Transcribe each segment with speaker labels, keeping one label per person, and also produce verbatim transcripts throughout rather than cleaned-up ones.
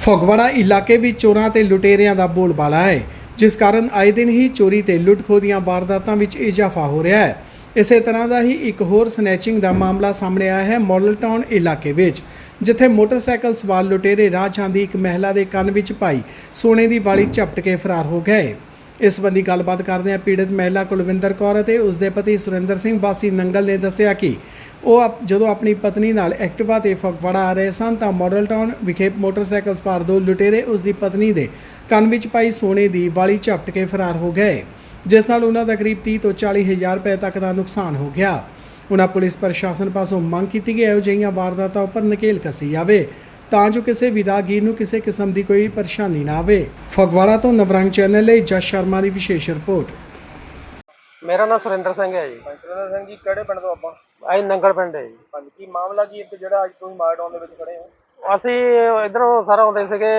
Speaker 1: ਫਗਵਾੜਾ ਇਲਾਕੇ ਵਿੱਚ ਚੋਰਾਂ ਤੇ ਲੁਟੇਰਿਆਂ ਦਾ ਬੋਲਬਾਲਾ ਹੈ, ਜਿਸ ਕਾਰਨ ਆਏ ਦਿਨ ਹੀ ਚੋਰੀ ਤੇ ਲੁੱਟ-ਖੋਹ ਦੀਆਂ ਵਾਰਦਾਤਾਂ ਵਿੱਚ ਇਜ਼ਾਫਾ ਹੋ ਰਿਹਾ ਹੈ। ਇਸੇ ਤਰ੍ਹਾਂ ਦਾ ਹੀ ਇੱਕ ਹੋਰ ਸਨੈਚਿੰਗ ਦਾ ਮਾਮਲਾ ਸਾਹਮਣੇ ਆਇਆ ਹੈ ਮਾਡਲ ਟਾਊਨ ਇਲਾਕੇ ਵਿੱਚ, ਜਿੱਥੇ ਮੋਟਰਸਾਈਕਲ ਸਵਾਰ ਲੁਟੇਰੇ ਰਾਹ ਜਾਂਦੀ ਇੱਕ ਮਹਿਲਾ ਦੇ ਕੰਨ ਵਿੱਚ ਪਾਈ ਸੋਨੇ ਦੀ ਵਾਲੀ ਝਪਟ ਕੇ ਫਰਾਰ ਹੋ ਗਏ। ਇਸ ਸੰਬੰਧੀ ਗੱਲਬਾਤ ਕਰਦਿਆਂ ਪੀੜਤ ਮਹਿਲਾ ਕੁਲਵਿੰਦਰ ਕੌਰ ਅਤੇ ਉਸ ਦੇ ਪਤੀ ਸੁਰਿੰਦਰ ਸਿੰਘ ਵਾਸੀ ਨੰਗਲ ਨੇ ਦੱਸਿਆ ਕਿ ਉਹ ਜਦੋਂ ਆਪਣੀ ਪਤਨੀ ਨਾਲ ਐਕਟਿਵਾ ਤੇ ਫਗਵਾੜਾ ਆ ਰਹੇ ਸਨ ਤਾਂ ਮਾਡਲ ਟਾਊਨ ਵਿਖੇ ਮੋਟਰਸਾਈਕਲ ਸਵਾਰ ਦੋ ਲੁਟੇਰੇ ਉਸ ਦੀ ਪਤਨੀ ਦੇ ਕੰਨ ਵਿੱਚ ਪਾਈ ਸੋਨੇ ਦੀ ਵਾਲੀ ਝਪਟ ਕੇ ਫਰਾਰ ਹੋ ਗਏ, ਜਿਸ ਨਾਲ ਉਹਨਾਂ ਦਾ ਕਰੀਬ ਤੀਹ ਤੋਂ ਚਾਲੀ ਹਜ਼ਾਰ ਰੁਪਏ ਤੱਕ ਦਾ ਨੁਕਸਾਨ ਹੋ ਗਿਆ। ਉਹਨਾਂ ਪੁਲਿਸ ਪ੍ਰਸ਼ਾਸਨ ਪਾਸੋਂ ਮੰਗ ਕੀਤੀ ਕਿ ਇਹੋ ਜਿਹੀਆਂ ਵਾਰਦਾਤਾਂ ਉੱਪਰ ਨਕੇਲ ਕੱਸੀ ਜਾਵੇ ਤਾਂ ਜੋ ਕਿਸੇ ਵੀ ਰਾਹਗੀਰ ਨੂੰ ਕਿਸੇ ਕਿਸਮ ਦੀ ਕੋਈ ਪਰੇਸ਼ਾਨੀ ਨਾ ਆਵੇ। ਫਗਵਾੜਾ ਤੋਂ ਨਵਰੰਗ ਚੈਨਲ ਲਈ ਜਸ ਸ਼ਰਮਾ ਦੀ ਵਿਸ਼ੇਸ਼ ਰਿਪੋर्ट।
Speaker 2: मेरा नाम सुरेंद्र सिंह है जी।
Speaker 3: ਸੁਰਿੰਦਰ ਸਿੰਘ ਜੀ ਕਿਹੜੇ ਪਿੰਡ ਤੋਂ ਆਪਾਂ?
Speaker 2: ਅਸੀਂ ਨੰਗਲ ਪਿੰਡ ਹੈ ਜੀ।
Speaker 3: ਹਾਂਜੀ, ਕੀ ਮਾਮਲਾ ਕੀ ਇੱਕ ਜਿਹੜਾ ਅੱਜ ਤੁਸੀਂ ਮਾਰਡਾਊਨ ਦੇ ਵਿੱਚ ਖੜੇ ਹੋ?
Speaker 2: ਅਸੀਂ ਇਧਰੋਂ ਸਾਰਾ ਆਉਂਦੇ ਸੀਗੇ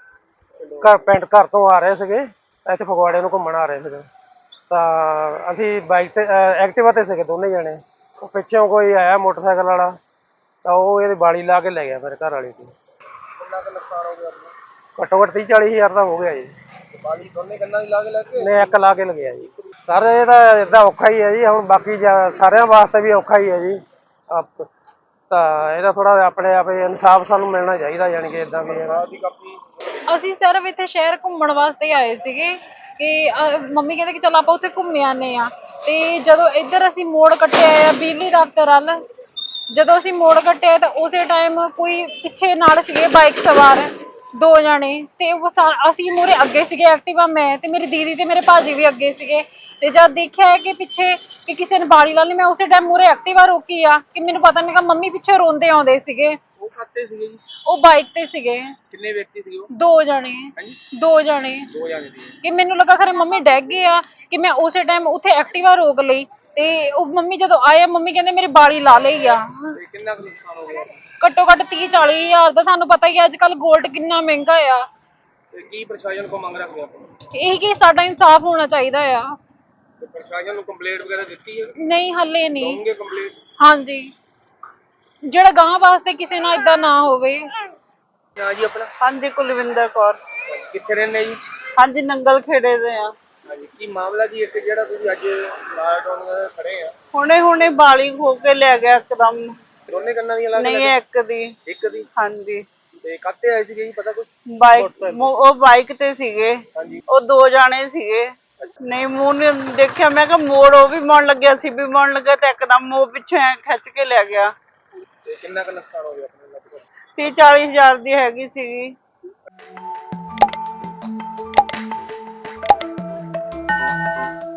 Speaker 2: ਘਰ ਪਿੰਡ ਘਰ ਤੋਂ ਆ ਰਹੇ ਸੀਗੇ, ਇੱਥੇ ਫਗਵਾੜੇ ਨੂੰ ਘੁੰਮਣ ਆ ਰਹੇ ਸੀਗੇ ਤਾਂ ਅਸੀਂ ਬਾਈਕ ਤੇ ਐਕਟਿਵਾ ਤੇ ਸੀਗੇ ਦੋਨੇ ਜਣੇ। ਉਹ ਪਿੱਛੋਂ ਕੋਈ ਆਇਆ ਮੋਟਰਸਾਈਕਲ ਵਾਲਾ ਤਾਂ ਉਹ ਇਹਦੀ ਬਾਲੀ ਲਾ ਕੇ ਲੈ ਗਿਆ ਮੇਰੇ ਘਰ ਵਾਲੀ ਦੀ।
Speaker 3: ਕਿੰਨਾ ਕੁ ਨੁਕਸਾਨ ਹੋ ਗਿਆ ਆਪਣਾ?
Speaker 2: ਘੱਟੋ ਘੱਟ ਤੀਹ ਚਾਲੀ ਹਜ਼ਾਰ ਦਾ ਹੋ ਗਿਆ ਜੀ।
Speaker 3: ਬਾਲੀ ਦੋਨੇ ਕੰਨਾਂ ਦੀ ਲਾ ਕੇ ਲੈ ਕੇ?
Speaker 2: ਨੇ ਇੱਕ ਲਾ ਕੇ ਲਗਿਆ ਜੀ। ਸਰ ਇਹ ਤਾਂ ਏਦਾਂ ਔਖਾ ਹੀ ਹੈ ਜੀ, ਹੁਣ ਬਾਕੀ ਸਾਰਿਆਂ ਵਾਸਤੇ ਵੀ ਔਖਾ ਹੀ ਹੈ ਜੀ। ਆਪ ਤਾਂ ਇਹਦਾ ਥੋੜਾ ਆਪਣੇ ਆਪ ਇਨਸਾਫ ਸਾਨੂੰ ਮਿਲਣਾ ਚਾਹੀਦਾ, ਯਾਨੀ ਕਿ ਇਦਾਂ ਵੀ
Speaker 3: ਦੀ ਕਾਪੀ।
Speaker 4: ਅਸੀਂ ਸਿਰਫ ਇੱਥੇ ਸ਼ਹਿਰ ਘੁੰਮਣ ਵਾਸਤੇ ਆਏ ਸੀਗੇ ਕਿ ਮੰਮੀ ਕਹਿੰਦੇ ਕਿ ਚਲ ਆਪਾਂ ਉੱਥੇ ਘੁੰਮ ਆਨੇ ਆ, ਤੇ ਜਦੋਂ ਇੱਧਰ ਅਸੀਂ ਮੋੜ ਕੱਟਿਆ ਆ ਬਿਜਲੀ ਦਫ਼ਤਰ ਵੱਲ, ਜਦੋਂ ਅਸੀਂ ਮੋੜ ਕੱਟਿਆ ਤਾਂ ਉਸੇ ਟਾਈਮ ਕੋਈ ਪਿੱਛੇ ਨਾਲ ਸੀਗੇ ਬਾਈਕ ਸਵਾਰ ਦੋ ਜਾਣੇ, ਤੇ ਉਹ ਅਸੀਂ ਮੂਹਰੇ ਅੱਗੇ ਸੀਗੇ ਐਕਟਿਵਾ, ਮੈਂ ਤੇ ਮੇਰੀ ਦੀਦੀ ਤੇ ਮੇਰੇ ਭਾਜੀ ਵੀ ਅੱਗੇ ਸੀਗੇ। ਤੇ ਜਦ ਦੇਖਿਆ ਕਿ ਪਿੱਛੇ ਕਿ ਕਿਸੇ ਨੇ ਬਾੜੀ ਲਾ ਲਈ, ਮੈਂ ਉਸੇ ਟਾਈਮ ਮੂਹਰੇ ਐਕਟਿਵਾ ਰੋਕੀ ਆ ਕਿ ਮੈਨੂੰ ਪਤਾ ਨਹੀਂ ਕਿ ਮੰਮੀ ਪਿੱਛੇ ਰੋਂਦੇ ਆਉਂਦੇ ਸੀਗੇ।
Speaker 3: ਉਹ ਖਾਤੇ ਸੀਗੇ ਜੀ?
Speaker 4: ਉਹ ਬਾਈਕ ਤੇ ਸੀਗੇ।
Speaker 3: ਕਿੰਨੇ ਵਿਅਕਤੀ ਸੀਗੇ ਉਹ?
Speaker 4: ਦੋ ਜਣੇ। ਦੋ ਜਣੇ
Speaker 3: ਦੋ ਜਣੇ ਸੀ
Speaker 4: ਕਿ ਮੈਨੂੰ ਲੱਗਾ ਖਰੇ ਮੰਮੀ ਡੈਗ ਗਏ ਆ, ਕਿ ਮੈਂ ਉਸੇ ਟਾਈਮ ਉੱਥੇ ਐਕਟਿਵਾ ਰੋਕ ਲਈ ਤੇ ਉਹ ਮੰਮੀ ਜਦੋਂ ਆਏ ਮੰਮੀ ਕਹਿੰਦੇ ਮੇਰੀ ਬਾੜੀ ਲਾ ਲਈ ਆ।
Speaker 3: ਤੇ ਕਿੰਨਾ ਕੁ ਨੁਕਸਾਨ ਹੋ ਗਿਆ?
Speaker 4: ਘੱਟੋ ਘੱਟ ਤੀਹ ਚਾਲੀ ਹਜ਼ਾਰ ਦਾ। ਤੁਹਾਨੂੰ ਪਤਾ ਹੀ ਹੈ ਅੱਜ ਕੱਲ ਗੋਲਡ ਕਿੰਨਾ ਮਹਿੰਗਾ ਆ।
Speaker 3: ਤੇ ਕੀ ਪ੍ਰਸ਼ਾਸਨ ਕੋ ਮੰਗ ਰੱਖਦੇ ਆਪਾਂ?
Speaker 4: ਇਹੀ ਕਿ ਸਾਡਾ ਇਨਸਾਫ ਹੋਣਾ ਚਾਹੀਦਾ ਆ।
Speaker 3: ਤੇ ਪ੍ਰਸ਼ਾਸਨ ਨੂੰ ਕੰਪਲੇਂਟ ਵਗੈਰਾ ਦਿੱਤੀ ਹੈ?
Speaker 4: ਨਹੀਂ ਹੱਲੇ ਨਹੀਂ।
Speaker 3: ਦੋਗੇ ਕੰਪਲੇਂਟ?
Speaker 4: ਹਾਂਜੀ, ਜਿਹੜਾ ਗਾਂ ਵਾਸਤੇ ਕਿਸੇ ਨਾਲ ਇਦਾਂ ਨਾ ਹੋਵੇ।
Speaker 3: ਹਾਂ ਜੀ ਆਪਣਾ?
Speaker 5: ਹਾਂਜੀ ਕੁਲਵਿੰਦਰ ਕੌਰ।
Speaker 3: ਕਿੱਥੇ ਰਹਿੰਦੇ ਜੀ?
Speaker 5: ਹਾਂਜੀ ਨੰਗਲ ਖੇੜੇ ਦੇ ਆ।
Speaker 3: ਹਾਂਜੀ, ਕੀ ਮਾਮਲਾ ਜੀ ਇੱਕ ਜਿਹੜਾ ਤੁਸੀਂ ਅੱਜ ਮਾਰਡਾਊਨ ਖੜੇ ਆ? ਹੁਣੇ
Speaker 5: ਹੁਣੇ ਬਾਲੀ ਖੋ ਕੇ ਲੈ ਗਿਆ ਇੱਕਦਮ।
Speaker 3: ਦੋਨੇ ਕੰਨਾਂ ਦੀਆਂ ਲਾ ਕੇ?
Speaker 5: ਨਹੀਂ ਇੱਕ ਦੀ।
Speaker 3: ਇੱਕ ਦੀ?
Speaker 5: ਹਾਂਜੀ।
Speaker 3: ਤੇ ਕਾਤੇ ਆਏ ਸੀਗੇ ਜੀ, ਪਤਾ ਕੁਝ?
Speaker 5: ਬਾਈਕ, ਉਹ ਬਾਈਕ ਤੇ ਸੀਗੇ।
Speaker 3: ਹਾਂਜੀ।
Speaker 5: ਉਹ ਦੋ ਜਾਣੇ ਸੀਗੇ। ਨਹੀਂ ਮੂੰਹ ਨੇ ਦੇਖਿਆ, ਮੈਂ ਕਿਹਾ ਮੋੜ ਉਹ ਵੀ ਮੋੜਨ ਲੱਗਿਆ ਸੀ ਵੀ ਮੋੜਨ ਲੱਗਾ ਤੇ ਇੱਕਦਮ ਉਹ ਪਿੱਛੇ ਐ ਖਿੱਚ ਕੇ ਲੈ ਗਿਆ।
Speaker 3: ਤੇ ਕਿੰਨਾ ਕੁ ਨੁਕਸਾਨ ਹੋ ਗਿਆ ਆਪਣੇ ਲਗਭਗ?
Speaker 5: ਤੀਹ ਚਾਲੀ ਹਜ਼ਾਰ ਦੀ ਹੈਗੀ ਸੀਗੀ।
Speaker 3: Thank you.